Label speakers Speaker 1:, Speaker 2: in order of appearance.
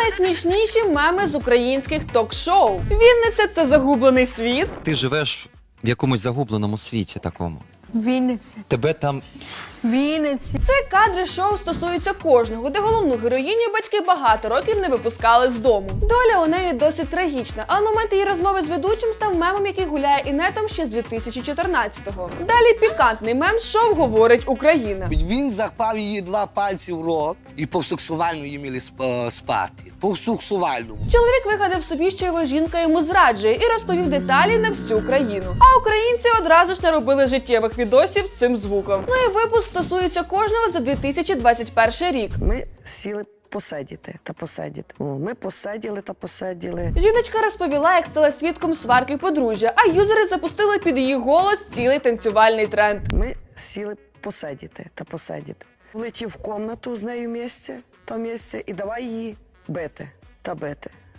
Speaker 1: Найсмішніші меми з українських ток-шоу. Вінниця – це загублений світ.
Speaker 2: Ти живеш в якомусь загубленому світі такому.
Speaker 3: Вінниця.
Speaker 2: Тебе там
Speaker 3: Вінниця.
Speaker 1: Це кадри шоу стосуються кожного, де головну героїню батьки багато років не випускали з дому. Доля у неї досить трагічна, але момент її розмови з ведучим став мемом, який гуляє інетом ще з 2014-го. Далі пікантний мем «Шоу говорить Україна».
Speaker 4: Він запав її 2 пальці в рот і по-сексуальному її мали спати. По-сексуальному.
Speaker 1: Чоловік вигадав собі, що його жінка йому зраджує, і розповів деталі на всю країну. А українці одразу ж наробили життєвих відосів з цим звуком. Ну і випуск стосується кожного за 2021 рік.
Speaker 5: Ми сіли посидіти та посидіти. Ми посиділи та посиділи.
Speaker 1: Жіночка розповіла, як стала свідком сварки подружжя, а юзери запустили під її голос цілий танцювальний тренд.
Speaker 5: Ми сіли посидіти та посидіти. Влетів в кімнату з нею місце, і давай її бити та бити.